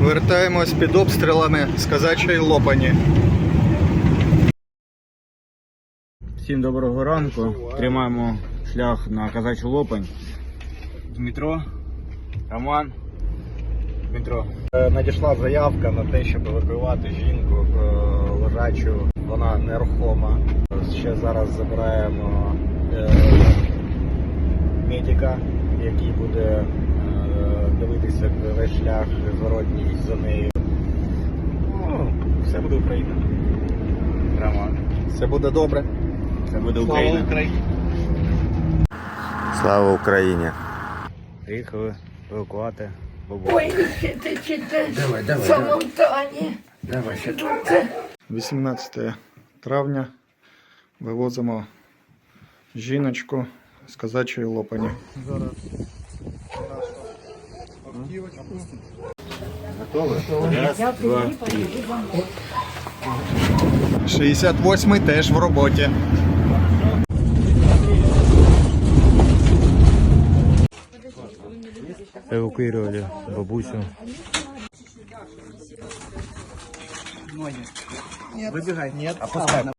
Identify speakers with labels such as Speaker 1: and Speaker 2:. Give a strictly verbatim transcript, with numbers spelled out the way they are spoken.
Speaker 1: Вертаємось під обстрілами з Казачої Лопані.
Speaker 2: Всім доброго ранку. Тримаємо шлях на Казачу Лопань. Дмитро, Роман, Дмитро.
Speaker 1: Надійшла заявка на те, щоб евакуювати жінку лежачу. Вона нерухома. Ще зараз забираємо медика, який буде дивитися весь шлях зворотній за нею. Ну, все буде Україна.
Speaker 2: Роман.
Speaker 1: Все буде добре.
Speaker 2: Це буде
Speaker 1: Слава
Speaker 2: Україна.
Speaker 1: Україні.
Speaker 3: Слава Україні!
Speaker 2: Приїхали евакувати бабу.
Speaker 4: Ой, чите, чите, самотані.
Speaker 3: Давай,
Speaker 1: вісімнадцяте травня вивозимо жіночку з Казачої Лопані. Зараз
Speaker 2: Готові? Раз, два, три.
Speaker 1: шістдесят восьмий теж в роботі.
Speaker 2: Евакуировали бабусю.
Speaker 1: Выбегай. Нет, опускай.